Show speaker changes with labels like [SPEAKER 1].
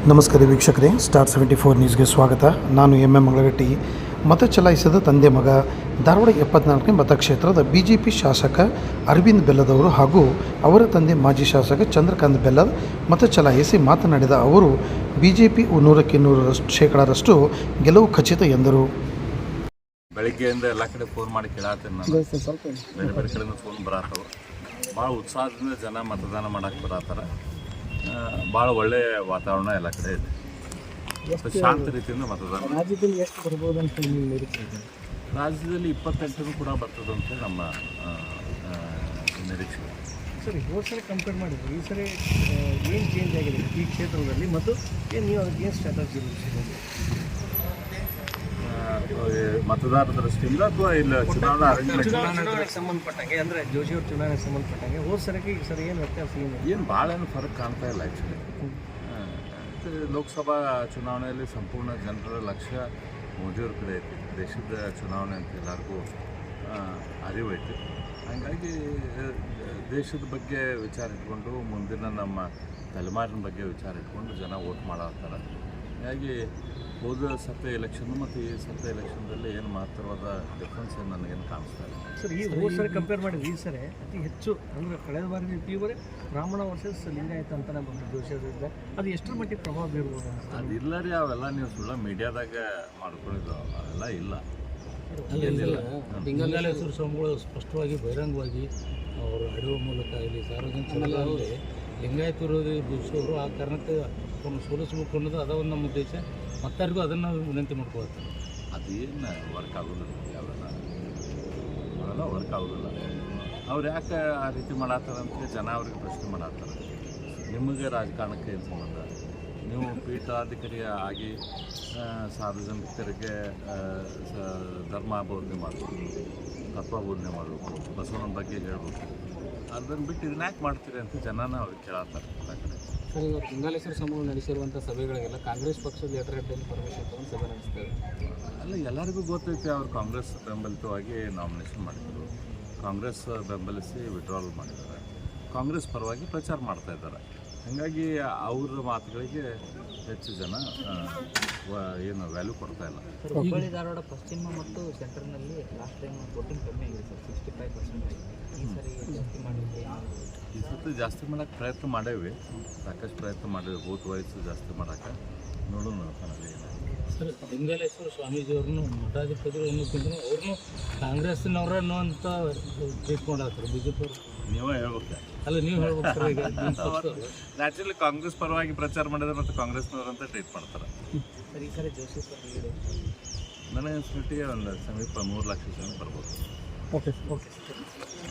[SPEAKER 1] ನಮಸ್ಕಾರ ವೀಕ್ಷಕರೇ, ಸ್ಟಾರ್ 74 ನ್ಯೂಸ್ಗೆ ಸ್ವಾಗತ. ನಾನು ಎಂ ಮಂಗಳಗಟ್ಟಿ. ಮತ ಚಲಾಯಿಸಿದ ತಂದೆ ಮಗ ಧಾರವಾಡ 74ನೇ ಮತಕ್ಷೇತ್ರದ ಬಿಜೆಪಿ ಶಾಸಕ ಅರವಿಂದ್ ಬೆಲ್ಲದವರು ಹಾಗೂ ಅವರ ತಂದೆ ಮಾಜಿ ಶಾಸಕ ಚಂದ್ರಕಾಂತ್ ಬೆಲ್ಲದ್ ಮತ ಚಲಾಯಿಸಿ ಮಾತನಾಡಿದ ಅವರು, ಬಿಜೆಪಿ 100ಕ್ಕೆ 100% ಗೆಲುವು ಖಚಿತ ಎಂದರು.
[SPEAKER 2] ಬೆಳಗ್ಗೆಯಿಂದ ಎಲ್ಲ ಕಡೆ ಫೋನ್ ಮಾಡಿ ಕೇಳಾತೀನಿ ನಾನು. ಬೇರೆ ಬೇರೆ ಕಡೆಯಿಂದ ಫೋನ್ ಬರತ್ತವ. ಭಾಳ ಉತ್ಸಾಹದಿಂದ ಜನ ಮತದಾನ ಮಾಡಕ್ಕೆ ಬರತ್ತಾರ. ಭಾಳ ಒಳ್ಳೆಯ ವಾತಾವರಣ ಎಲ್ಲ ಕಡೆ ಇದೆ. ಶಾಂತ ರೀತಿಯಿಂದ ಮತದಾನ.
[SPEAKER 3] ರಾಜ್ಯದಲ್ಲಿ ಎಷ್ಟು ಬರ್ಬೋದು ಅಂತ ನಿರೀಕ್ಷೆ ಇದೆ?
[SPEAKER 2] ರಾಜ್ಯದಲ್ಲಿ 28 ಕೂಡ ಬರ್ತದೆ ಅಂತ ನಮ್ಮ ನಿರೀಕ್ಷೆ.
[SPEAKER 3] ಸರಿ, ಹೋದ ಸರಿ ಕಂಪೇರ್ ಮಾಡಿದ್ರು ಈ ಸರಿ ಏನು ಚೇಂಜ್ ಆಗಿದೆ ಈ ಕ್ಷೇತ್ರದಲ್ಲಿ ಮತ್ತು ಏನು ನೀವು ಅದಕ್ಕೆ ಏನು ಸ್ಟ್ರಾಟಜಿ
[SPEAKER 2] ಮತದಾರರ ದೃಷ್ಟಿಯಿಂದ ಅಥವಾ ಇಲ್ಲ
[SPEAKER 3] ಚುನಾವಣೆಗೆ ಸಂಬಂಧಪಟ್ಟಂಗೆ ಅಂದರೆ ಜೋಶಿಯವ್ರ ಚುನಾವಣೆಗೆ ಸಂಬಂಧಪಟ್ಟಂಗೆ ಹೋದ ಸರಿಗೆ ಈ ಸರಿ ಏನು ವ್ಯತ್ಯಾಸ
[SPEAKER 2] ಏನು ಭಾಳ ಏನು ಫರಕ್ ಕಾಣ್ತಾ ಇಲ್ಲ. ಆ್ಯಕ್ಚುಲಿ ಲೋಕಸಭಾ ಚುನಾವಣೆಯಲ್ಲಿ ಸಂಪೂರ್ಣ ಜನರ ಲಕ್ಷ್ಯ ಮೋದಿಯವ್ರ ಕಡೆ ಐತಿ. ದೇಶದ ಚುನಾವಣೆ ಅಂತ ಎಲ್ಲರಿಗೂ ಅರಿವು ಐತಿ. ಹಾಗಾಗಿ ದೇಶದ ಬಗ್ಗೆ ವಿಚಾರ ಇಟ್ಕೊಂಡು ಮುಂದಿನ ನಮ್ಮ ತಲೆಮಾರಿನ ಬಗ್ಗೆ ವಿಚಾರ ಇಟ್ಕೊಂಡು ಜನ ವೋಟ್ ಮಾಡತ್ತಾರೆ. ಹೀಗಾಗಿ ಹೋದ ಸತ್ಯ ಎಲೆಕ್ಷನ್ ಮತ್ತು ಈ ಸತ್ಯ ಎಲೆಕ್ಷನ್ದಲ್ಲಿ ಏನು ಮಹತ್ತರವಾದ ಡಿಫ್ರೆನ್ಸ್ ಏನು ನನಗೇನು ಕಾಣಿಸ್ತಾ ಇಲ್ಲ.
[SPEAKER 3] ಸರ್, ಈ ಹೋದ ಸರಿ ಕಂಪೇರ್ ಮಾಡಿದ್ರೆ ಈ ಸರಿ ಅತಿ ಹೆಚ್ಚು ಅಂದರೆ ಕಳೆದ ಬಾರಿ ಇವರೇ ಬ್ರಾಹ್ಮಣ ವರ್ಸಸ್ ಲಿಂಗಾಯತ ಅಂತಲೇ ಬಂದು ಜೋಶಿಯವ್ರಿಂದ ಅದು ಎಷ್ಟರ ಮಟ್ಟಿಗೆ ಪ್ರಭಾವ ಬೀರ್ಬೋದು?
[SPEAKER 2] ಅದಿಲ್ಲ ರೀ, ಅವೆಲ್ಲ ನೀವು ಸುಳ್ಳ ಮೀಡಿಯಾದಾಗ ಮಾಡ್ಕೊಂಡಿದ್ದು ಅವೆಲ್ಲ ಇಲ್ಲ.
[SPEAKER 4] ಲಿಂಗಾಲೇಶ್ವರ ಸ್ವಾಮಿಗಳು ಸ್ಪಷ್ಟವಾಗಿ ಬಹಿರಂಗವಾಗಿ ಅವರು ಆಡುವ ಮೂಲಕ ಇಲ್ಲಿ ಸಾರ್ವಜನಿಕರಲ್ಲಿ ಲಿಂಗಾಯತ ವಿರೋಧಿ ಜೋಶಿಯವರು ಆ ಕಾರಣಕ್ಕೆ ಅವ್ರನ್ನ ಸೋಲಿಸಬೇಕು ಅನ್ನೋದು ಅದ ಒಂದು ನಮ್ಮ ಉದ್ದೇಶ. ಮತ್ತಾರಿಗೂ ಅದನ್ನು ವಿನಂತಿ ಮಾಡ್ಕೊಳ್ತಾರೆ.
[SPEAKER 2] ಅದೇನು ವರ್ಕ್ ಆಗೋದಿಲ್ಲ, ಅವೆಲ್ಲ ವರ್ಕ್ ಆಗೋದಿಲ್ಲ. ಅವ್ರು ಯಾಕೆ ಆ ರೀತಿ ಮಾಡತ್ತಾರಂತ ಜನ ಅವ್ರಿಗೆ ಪ್ರಶ್ನೆ ಮಾಡತ್ತಾರೆ. ನಿಮಗೆ ರಾಜಕಾರಣಕ್ಕೆ ಏನು ಸಂಬಂಧ? ನೀವು ಪೀಠಾಧಿಕಾರಿ ಆಗಿ ಸಾರ್ವಜನಿಕರಿಗೆ ಧರ್ಮ ಬೋಧನೆ ಮಾಡಬೇಕು, ತತ್ವ ಬೋಧನೆ ಮಾಡಬೇಕು, ಬಸವನ ಬಗ್ಗೆ ಹೇಳಬೇಕು. ಅದನ್ನು ಬಿಟ್ಟು ಇದನ್ನ ಯಾಕೆ ಮಾಡ್ತೀರಿ ಅಂತ ಜನನ ಅವ್ರಿಗೆ ಕೇಳತ್ತಾರೆ ಎಲ್ಲ ಕಡೆ.
[SPEAKER 4] ಸರ್, ಇವತ್ತು ಲಿಂಗಾಲೇಶ್ವರ ಸಮೂಹ ನಡೆಸಿರುವಂಥ ಸಭೆಗಳಿಗೆಲ್ಲ ಕಾಂಗ್ರೆಸ್ ಪಕ್ಷದ ಲೆಟರ್ ಹೆಡ್ ಪರ್ಮಿಷನ್ ತಗೊಂಡು ಸಭೆ ನಡೆಸ್ತಾರೆ.
[SPEAKER 2] ಅಲ್ಲ, ಎಲ್ಲರಿಗೂ ಗೊತ್ತೈತಿ ಅವ್ರು ಕಾಂಗ್ರೆಸ್ ಬೆಂಬಲಿತವಾಗಿ ನಾಮಿನೇಷನ್ ಮಾಡಿದರು. ಕಾಂಗ್ರೆಸ್ ಬೆಂಬಲಿಸಿ ವಿಡ್ರಾಲ್ ಮಾಡಿದ್ದಾರೆ. ಕಾಂಗ್ರೆಸ್ ಪರವಾಗಿ ಪ್ರಚಾರ ಮಾಡ್ತಾ ಇದ್ದಾರೆ. ಹಾಗಾಗಿ ಅವ್ರ ಮಾತುಗಳಿಗೆ ಹೆಚ್ಚು ಜನ ಏನು ವ್ಯಾಲ್ಯೂ ಕೊಡ್ತಾ ಇಲ್ಲ.
[SPEAKER 4] ಹುಬ್ಬಳ್ಳಿ ಧಾರವಾಡ ಪಶ್ಚಿಮ ಮತ್ತು ಸೆಂಟರ್ನಲ್ಲಿ ಲಾಸ್ಟ್ ಟೈಮ್ ವೋಟಿಂಗ್ ಕಮ್ಮಿ ಆಗಿದೆ ಸರ್, 65%. ಈ ಸರಿ ಜಾಸ್ತಿ ಮಾಡಿದ್ರೆ
[SPEAKER 2] ಈ ಸತಿ ಜಾಸ್ತಿ ಮಾಡೋಕ್ಕೆ ಪ್ರಯತ್ನ ಮಾಡೇವಿ, ಸಾಕಷ್ಟು ಪ್ರಯತ್ನ ಮಾಡೇವಿ. ಬೂತ್ ವಯಸ್ಸು ಜಾಸ್ತಿ ಮಾಡೋಕ್ಕೆ ನೋಡೋಣ ಕಣಲ್ಲಿ.
[SPEAKER 4] ಸರ್, ಲಿಂಗಾಲೇಶ್ವರ ಸ್ವಾಮೀಜಿಯವ್ರನ್ನು ಮಠಾಧಿಪತಿಗಳು ಅನ್ನೋಕ್ಕಿಂತ ಅವ್ರನ್ನೂ ಕಾಂಗ್ರೆಸ್ನವ್ರನ್ನು ಅಂತ ಟ್ರೀಟ್ ಮಾಡತ್ತಾರೆ ಬಿ ಜೆ ಪಿ ಅವರು.
[SPEAKER 2] ನೀವೇ ಹೇಳ್ಬೇಕು.
[SPEAKER 4] ಅಲ್ಲ, ನೀವು ಹೇಳ್ಬೇಕು ಸರ್. ಈಗ
[SPEAKER 2] ನ್ಯಾಚುರಲಿ ಕಾಂಗ್ರೆಸ್ ಪರವಾಗಿ ಪ್ರಚಾರ ಮಾಡಿದ್ರೆ ಮತ್ತು ಕಾಂಗ್ರೆಸ್ನವ್ರಂತ ಟ್ರೀಟ್ ಮಾಡ್ತಾರೆ.
[SPEAKER 4] ಸರ್, ಈ ಸರಿ ಜೋಶಿ ಸರ್
[SPEAKER 2] ನನಗೆ ಅನ್ಸ್ಬಿಟ್ಟು ಒಂದು ಸಮೀಪ 3 ಲಕ್ಷ ಜನ ಬರ್ಬೋದು.
[SPEAKER 3] ಓಕೆ.